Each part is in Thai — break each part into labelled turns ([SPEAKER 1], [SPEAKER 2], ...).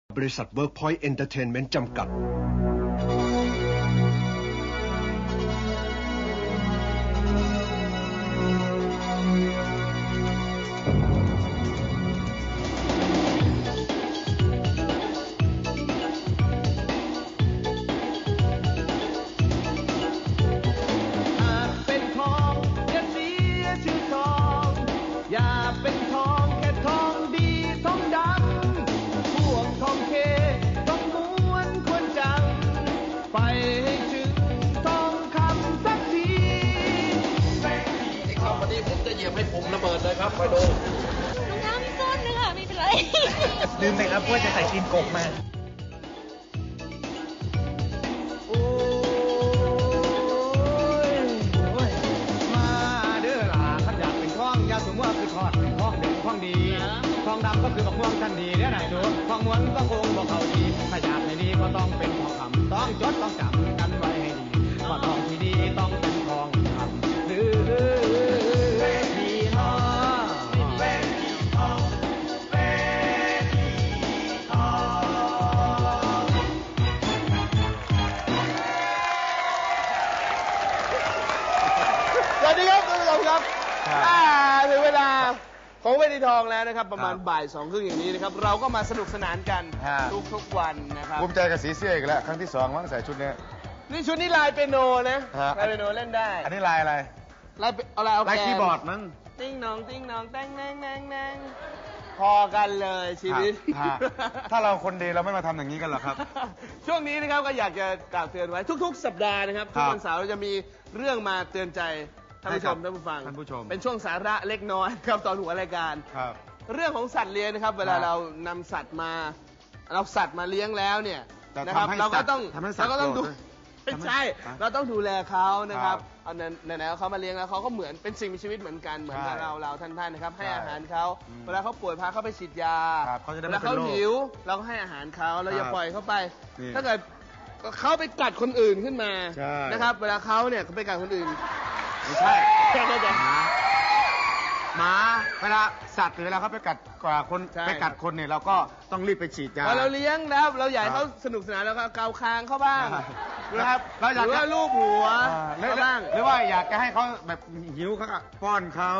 [SPEAKER 1] บริษัท Workpoint Entertainment จำกัด
[SPEAKER 2] ครับไปดูน้ำส้นนึงค่ะไม่เป็นไรลืมไปครับว่าจะใส่ตีนกบมา
[SPEAKER 3] โอ้ยมาเด้อล่ะขันอยากเป็นท้องยาสมว่าคือทอดท้องเด็กท้องดีท้องดำก็คือบักม่วงทันดีเด้อไหนดูท้องม้วนก็คงบอกเขาดีถ้าอยากให้ดีก็ต้องเป็นทองคำต้องจดต้องจำกันไว้ให้ดีว่าทองที่ดีต้องเป็นทองคำหรือ
[SPEAKER 4] สวัสดีครับคุณผู้ชมครับถึงเวลาของเวทีทองแล้วนะครับประมาณบ่าย2 ครึ่งอย่างนี้นะครับเราก็มาสนุกสนานกันทุกวันนะครับ
[SPEAKER 5] ภูมิใจกับสีเสื้ออีกแล้วครั้งที่2มั้งใส่ชุดนี้
[SPEAKER 4] นี่ชุดนี้ลายเปียโนนะลายเปียโนเล่นได้
[SPEAKER 5] อันนี้ลายอะไร
[SPEAKER 4] ลาย
[SPEAKER 5] คีย์บอร์ดมั้ง
[SPEAKER 4] ติ้งน้องติ้งน้องแตงแนงแนงแนงพอกันเลยชีวิต
[SPEAKER 5] ถ้าเราคนดีเราไม่มาทำอย่างนี้กันหรอครับ
[SPEAKER 4] ช่วงนี้นะครับก็อยากจะกล่าวเตือนไว้ทุกๆสัปดาห์นะครับทุกวันเสาร์เราจะมีเรื่องมาเตือนใจท่านผู้ชมท่านผู้ฟังเป็นช่วงสาระเล็กน้อยครับตอนหัวรายการเรื่องของสัตว์เลี้ยงนะครับเวลาเรานำสัตว์มาเลี้ยงแล้วเนี่ยนะครับเราก็ต้องดูไม่ใช่เราต้องดูแลเขานะครับเอาไหนๆเขามาเลี้ยงแล้วเขาก็เหมือนเป็นสิ่งมีชีวิตเหมือนกันเหมือนกับเราท่านๆนะครับให้อาหารเขาเวลาเขาป่วยพาเขาไปฉีดยาเวลาเขาหิวเราก็ให้อาหารเขาเราอย่าปล่อยเขาไปถ้าเกิดเขาไปกัดคนอื่นขึ้นมานะครับเวลาเขาเนี่ยไปกัดคนอื่น
[SPEAKER 5] ไม่ใช่หมาเวลาสัตว์หรือเวลาเขาไปกัดคนเนี่ยเราก็ต้องรีบไปฉีดยา
[SPEAKER 4] เราเลี้ยงแล้วเราอยากให้เขาสนุกสนานแล้วก็เกาคางเขาบ้างนะครับหรือว่าลูบหัวบ้าง
[SPEAKER 5] หรือว่าอยากจะให้เขาแบบหิวเขาป้อนเขา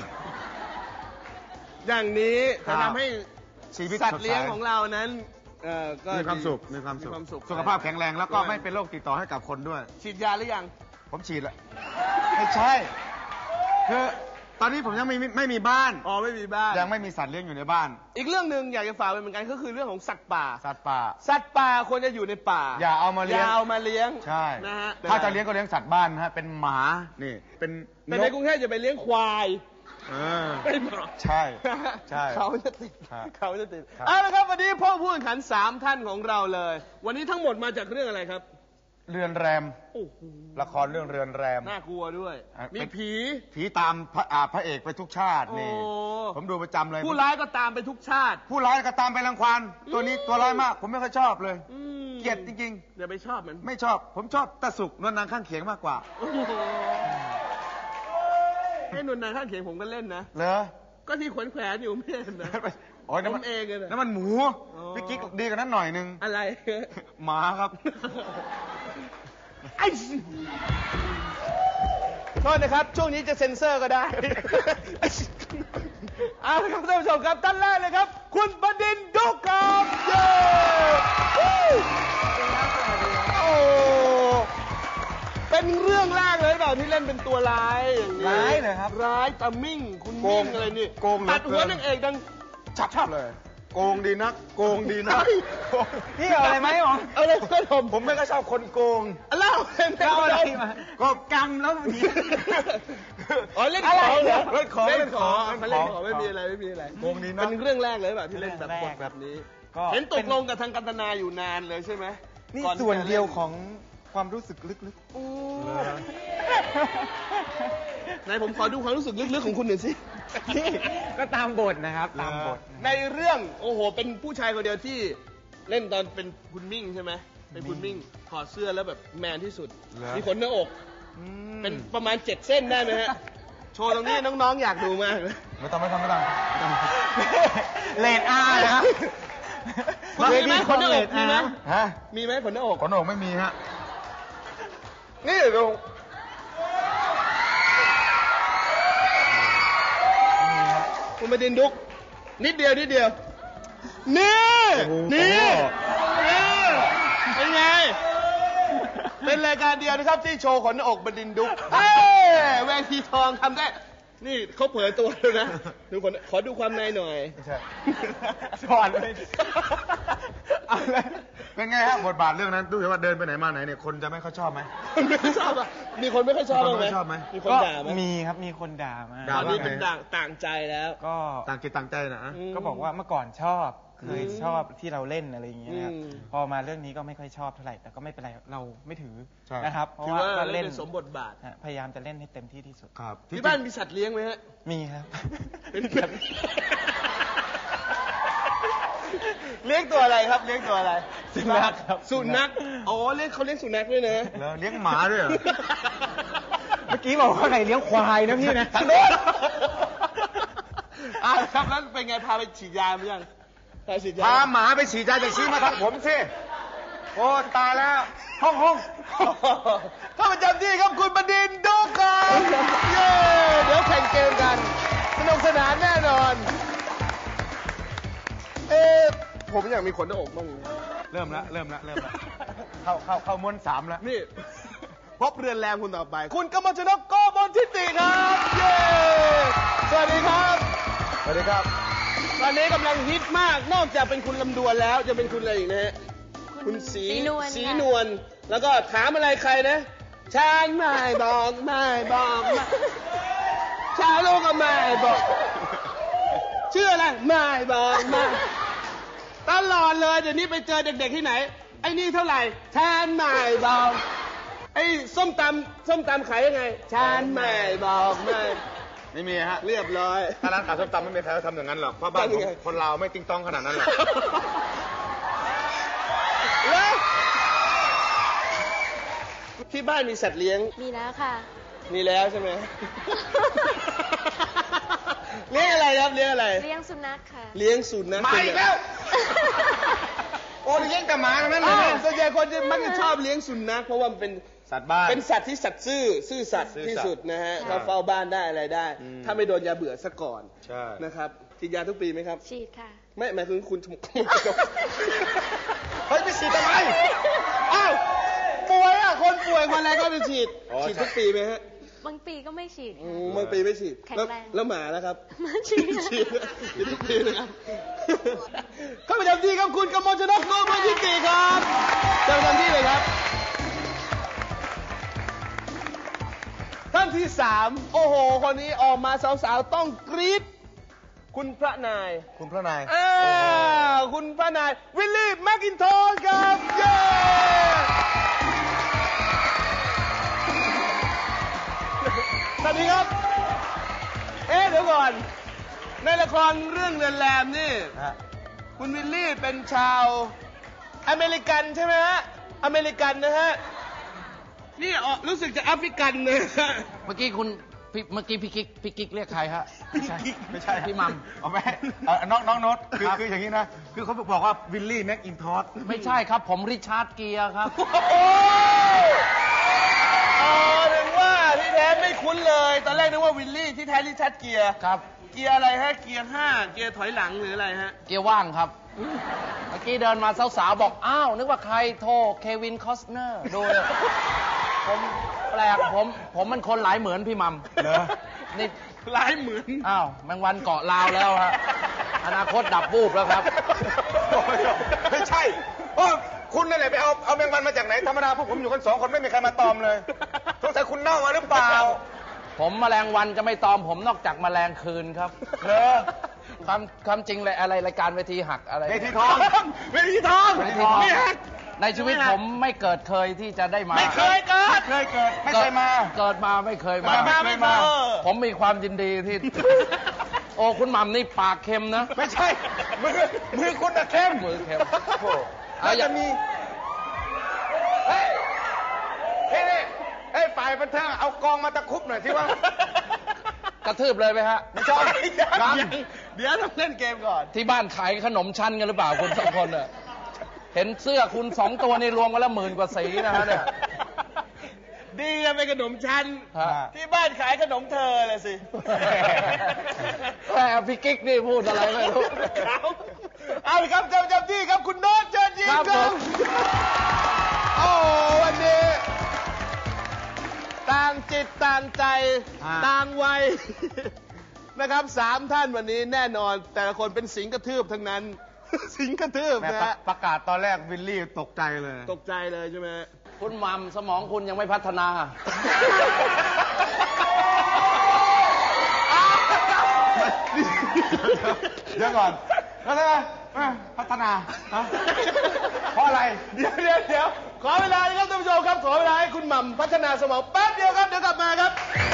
[SPEAKER 4] อย่างนี้จะทำให้สัตว์เลี้ยงของเรานั้น
[SPEAKER 5] ก็มีความสุขสุขภาพแข็งแรงแล้วก็ไม่เป็นโรคติดต่อให้กับคนด้วย
[SPEAKER 4] ฉีดยาหรือยัง
[SPEAKER 5] ผมฉีดแล้วไม่ใช่คือตอนนี้ผมยังไม่มีบ้าน
[SPEAKER 4] ไม่มีบ้าน
[SPEAKER 5] ยังไม่มีสัตว์เลี้ยงอยู่ในบ้าน
[SPEAKER 4] อีกเรื่องหนึ่งอยากจะฝากไปเหมือนกันก็คือเรื่องของสัตว์ป่า
[SPEAKER 5] สัตว์ป่า
[SPEAKER 4] ควรจะอยู่ในป่า
[SPEAKER 5] อย่าเอามาเลี้ยง
[SPEAKER 4] ใช่
[SPEAKER 5] นะฮะถ้าจะเลี้ยงก็เลี้ยงสัตว์บ้านนะฮะเป็นหมานี่เป็น
[SPEAKER 4] แต่ในกรุงเทพจะไปเลี้ยงควายไม่เหมาะ
[SPEAKER 5] ใช่
[SPEAKER 4] เขาจะติดเอาละครับวันนี้พ่อผู้แข่งขัน3 ท่านของเราเลยวันนี้ทั้งหมดมาจากเรื่องอะไรครับ
[SPEAKER 5] เรือนแรมละครเรื่องเรือนแรม
[SPEAKER 4] น่ากลัวด้วยมี
[SPEAKER 5] ผีตามพระเอกไปทุกชาตินี่ผมดูประจำเลย
[SPEAKER 4] ผู้ร้ายก็ตามไปทุกชาติ
[SPEAKER 5] ผู้ร้ายก็ตามไปรังควานตัวนี้ตัวร้ายมากผมไม่ค่อยชอบเลยเกลียดจริง
[SPEAKER 4] ๆอย่าไปชอบมัน
[SPEAKER 5] ไม่ชอบผมชอบตาสุกนวลนางข้างเคียงมากกว่า
[SPEAKER 4] ให้นวลนางข้างเคียงผมก็เล่นนะ
[SPEAKER 5] เหรอ
[SPEAKER 4] ก็ที่แขวนอยู่ไม่เห็นนะ
[SPEAKER 5] ผมเองเลยนั่นมันหมูพี่กิ๊กดีกว่านั้นหน่อยนึง
[SPEAKER 4] อะไร
[SPEAKER 5] หมาครับ
[SPEAKER 4] โทษนะครับช่วงนี้จะเซ็นเซอร์ก็ได้เอาละครับท่านผู้ชมครับท่านแรกเลยครับคุณบดินทร์ดุกครับเป็นเรื่องแรกเลยเปล่าที่เล่นเป็นตัวร้ายอย่างนี้
[SPEAKER 5] ร้ายเลยครับ
[SPEAKER 4] ร้ายตามิ่งคุณมิ่งอะไรนี่ตัดหัวนางเอกดัง
[SPEAKER 5] ชับเลยโกงดีนัก
[SPEAKER 4] นี่เอาอะไรไหมหรอเอาเลยก็
[SPEAKER 5] ผมไม่ก็ชอบคนโกง
[SPEAKER 4] เล่าอะไรมา
[SPEAKER 5] ก็กำแล้วที
[SPEAKER 4] เล่นของเหรอเล่นของไม่มีอะไร
[SPEAKER 5] โกงดีนัก
[SPEAKER 4] เป็นเรื่องแรกเลยแบบที่เล่นแบบนี้เห็นตกลงกับทางกันตนาอยู่นานเลยใช่ไหม
[SPEAKER 5] นี่ส่วนเดียวของความรู้สึกลึก
[SPEAKER 4] ไหนผมขอดูความรู้สึกลึกๆของคุณหน่อยสิ
[SPEAKER 5] ก็ตามบทนะครับตามบท
[SPEAKER 4] ในเรื่องโอ้โหเป็นผู้ชายคนเดียวที่เล่นตอนเป็นคุณมิ่งใช่ไหมเป็นคุณมิ่งถอดเสื้อแล้วแบบแมนที่สุดมีขนหน้าอกเป็นประมาณ7 เส้นได้ไหมฮะโชว์ตรงนี้น้องๆอยากดูมาก
[SPEAKER 5] ไม่ต้องเลดอาร์นะ
[SPEAKER 4] คุณมีไหมขนหน้าอกมีไหม
[SPEAKER 5] ฮะ
[SPEAKER 4] มีไหมขนหน้าอก
[SPEAKER 5] ขนหน้าอกไม่มีฮะนี่ดู
[SPEAKER 4] คุณบดินทร์ดุกนิดเดียวนี่เป็นไงเป็นรายการเดียวนะครับที่โชว์ขนหน้าอกบดินทร์ดุกแวทีทองทำได้นี่เขาเผยตัวแล้วนะดูขอดูความในหน่อย
[SPEAKER 5] ไม่ใช่สอนเลยเป็นไงฮะบทบาทเรื่องนั้นดูว่าเดินไปไหนมาไหนเนี่ยคนจะไม่ค่อยชอบไหม
[SPEAKER 4] ไม่ชอบอ่ะมีคนไม่ค่อยชอบไหมมีคนด่าไหม
[SPEAKER 2] มีครับมีคนด่ามา
[SPEAKER 4] ตอนนี้เป็นต่างใจแล้ว
[SPEAKER 2] ก็
[SPEAKER 5] ต่างจิตต่างใจนะ
[SPEAKER 2] ก็บอกว่าเมื่อก่อนชอบเคยชอบที่เราเล่นอะไรอย่างเงี้ยนะครับพอมาเรื่องนี้ก็ไม่ค่อยชอบเท่าไหร่แต่ก็ไม่เป็นไรเราไม่ถือนะครับเพราะว่าก็เล่น
[SPEAKER 4] สมบทบาท
[SPEAKER 2] พยายามจะเล่นให้เต็มที่ที่สุด
[SPEAKER 5] ครับ
[SPEAKER 4] ที่บ้านมีสัตว์เลี้ยงไหมฮะ
[SPEAKER 2] มีครับ
[SPEAKER 4] เป็นแบบเลี้ยงตัวอะไรครับเลี้ยงตัวอะไร
[SPEAKER 2] สุนัขครับ
[SPEAKER 4] สุนัขอ๋อเขาเลี้ยงสุนัขด้วยนะ
[SPEAKER 5] แล้วเลี้ยงหมาด้วยเหรอ
[SPEAKER 2] เมื่อกี้บอกว่าไหนเลี้ยงควายนะพี่นะ
[SPEAKER 4] ทางโน้นครับแล้วเป็นไงพาไปฉีดยาไหมยัง
[SPEAKER 5] พาหมาไปฉีดยาจะชี้มาทางผมสิโอ้ตายแล้วห้อง
[SPEAKER 4] เข้าประจำที่ครับคุณบดินทร์ดุกครับเย้เดี๋ยวแข่งเกมกันสนุกสนานแน่นอนผมอยากมีขนหน้าอกบ้าง
[SPEAKER 5] เริ่มแล้วเข้าม้วน3แล้ว
[SPEAKER 4] นี่พบเรือนแรงคุณต่อไปคุณกมลชนกโกมลทิติครับเย้สวัสดีครับ
[SPEAKER 5] สวัสดีครับ
[SPEAKER 4] ตอนนี้กำลังฮิตมากนอกจากเป็นคุณลำดวนแล้วจะเป็นคุณอะไรอีกนะฮะคุณสีนวลแล้วก็ถามอะไรใครนะฉันไม่บอกชาวโลกก็ไม่บอกชื่ออะไรไม่บอกตลอดเลยเดี๋ยวนี้ไปเจอเด็กๆที่ไหนไอ้นี่เท่าไหร่ฉันไม่บอกไอ้ส้มตำขายยังไงฉันไม่บอก
[SPEAKER 5] ไม่มีฮะ
[SPEAKER 4] เรียบร้อย
[SPEAKER 5] ถ้าร้านขายส้มตำไม่มีใครทำอย่างนั้นหรอกเพราะบ้านคนเราไม่ติ้งต้องขนาดนั้นหรอก
[SPEAKER 4] ที่บ้านมีสัตว์เลี้ยง
[SPEAKER 6] มีแล้วค่ะ
[SPEAKER 4] มีแล้วใช่ไหมเลี้ยงอะไรครับเลี้ยงอะไร
[SPEAKER 6] เลี้ยงสุนัขค่ะ
[SPEAKER 4] เลี้ยงสุนัข
[SPEAKER 5] มาอีกแล้วโอ้เลี้ยงแต่หมาทั้งนั้นเลย
[SPEAKER 4] ส่วนใหญ่คนจะมักจะชอบเลี้ยงสุนัขเพราะว่ามันเป็น
[SPEAKER 5] สัตว์บ้าน
[SPEAKER 4] เป็นสัตว์ที่สัตว์ซื่อสัตย์ที่สุดนะฮะเขาเฝ้าบ้านได้อะไรได้ถ้าไม่โดนยาเบื่อซะก่อนนะครับฉีดยาทุกปีไหมครับ
[SPEAKER 6] ฉีดค่ะ
[SPEAKER 4] ไม่หมายถึงคุณ
[SPEAKER 5] เฮ้ยไปฉีดทำไม
[SPEAKER 4] อ้าวป่วยคนป่วยคนอะไรก็ไปฉีดทุกปีไหมฮะ
[SPEAKER 6] บางปีก็ไม่ฉีด
[SPEAKER 4] บางปีไม่ฉีด
[SPEAKER 6] แข็งแรง
[SPEAKER 4] แล้วหมาแล้วครับ
[SPEAKER 6] มาฉีด
[SPEAKER 4] ทุกปีนะครับเข้าประจำที่ครับคุณกมลชนกโกมลทิติครับประจำที่เลยครับท่านที่3โอ้โหคนนี้ออกมาสาวๆต้องกรี๊ดคุณพระนาย
[SPEAKER 5] คุณพ
[SPEAKER 4] ระนายวิลลี่แมคอินทอร์ครับเย้สวัสดีครับเดี๋ยวก่อนในละครเรื่องเรือนแรมนี่คุณวิลลี่เป็นชาวอเมริกันใช่ไหมฮะอเมริกันนะฮะนี่รู้สึกจะแอฟริกันเลย
[SPEAKER 7] เมื่อกี้พี่กิ๊กเรียกใครฮะ
[SPEAKER 5] ไม่ใช่
[SPEAKER 7] พี่มัม
[SPEAKER 5] เอาไหมน้องโน้ตคืออย่างนี้นะคือเขาบอกว่าวิลลี่แม็กอินทอร์
[SPEAKER 7] ไม่ใช่ครับผมริชาร์ดเกียร์ครับ
[SPEAKER 4] ถึงว่าที่แท้ไม่คุ้นเลยตอนแรกนึกว่าวิลลี่ที่แท้ริชาร์ดเกียร์
[SPEAKER 7] ครับ
[SPEAKER 4] เกียร์อะไรฮะเกียร์5เกียร์ถอยหลังหรืออะไรฮะ
[SPEAKER 7] เกียร์ว่างครับเมื่อกี้เดินมาสาวๆบอกอ้าวนึกว่าใครโทรเควินคอสเนอร์ดูผมแปลกผมมันคนหลายเหมือนพี่มัม
[SPEAKER 5] เหรอ
[SPEAKER 7] นี่
[SPEAKER 4] หลายเหมือน
[SPEAKER 7] อ้าวแมงวันเกาะลาวแล้วฮะอนาคตดับวูบแล้วครับ
[SPEAKER 5] ไม่ใช่คุณนั่นแหละไปเอาแมงวันมาจากไหนธรรมดาพวกผมอยู่กัน2 คนไม่มีใครมาตอมเลยสงสัยคุณเน่ามาหรือเปล่า
[SPEAKER 7] ผมแมลงวันจะไม่ตอมผมนอกจากแมลงคืนครับความจริงเลยอะไรรายการเวทีหักอะไร
[SPEAKER 5] เวทีทอง
[SPEAKER 7] นี่หักในชีวิตผมไม่เกิดเคยที่จะได้มา
[SPEAKER 4] ไม่เคยเกิด
[SPEAKER 5] ไม่เคยมา
[SPEAKER 7] เกิดมาไม่เคยมาผมมีความยินดีที่โอ้คุณหม่ำนี่ปากเค็มนะ
[SPEAKER 5] ไม่ใช่มือคุณน่ะเค็ม
[SPEAKER 7] มือเค็ม
[SPEAKER 5] แล้วจะมีฝ่ายบันเทิงเอากองมาตะคุบหน่อยที่ว่าก
[SPEAKER 7] ระทืบเลยไหมฮะ
[SPEAKER 5] ไม่ใช่
[SPEAKER 4] เดี๋ยวต้องเล่นเกมก่อน
[SPEAKER 7] ที่บ้านขายขนมชั้นกันหรือเปล่าคุณสองคนอะเห็นเสื้อคุณ2 ตัวนี่รวมกันแล้ว10,000 กว่าสีนะฮะเนี่ย
[SPEAKER 4] ดีอะเป็นขนมชั้น
[SPEAKER 7] ฮะ
[SPEAKER 4] ที่บ้านขายขนมเธอเลยสิ
[SPEAKER 7] แต่พี่กิ๊กนี่พูดอะไรไม่รู้
[SPEAKER 4] เอาละครับจำที่ครับคุณโน้ตเชิญยิ้ม
[SPEAKER 7] ครับ
[SPEAKER 4] ค
[SPEAKER 7] ผ
[SPEAKER 4] รับ
[SPEAKER 7] ม
[SPEAKER 4] โอ้วันนี้ต่างจิตต่างใจต่างวัยนะครับ3 ท่านวันนี้แน่นอนแต่ละคนเป็นสิงกระทืบทั้งนั้น สิงกระทืบนะฮะ
[SPEAKER 3] ประกาศตอนแรกวิลลี่ตกใจเลย
[SPEAKER 4] ตกใจเลยใช่ไหม
[SPEAKER 7] คุณมัมสมองคุณยังไม่พัฒนา
[SPEAKER 3] เดี๋ยวก่อนแล้วไงพัฒนาเพราะอะไร
[SPEAKER 4] เดี๋ยวขอเวลานะครับท่านผู้ชมครับขอเวลาให้คุณหม่ำพัฒนาสมองแป๊บเดียวครับเดี๋ยวกลับมาครับ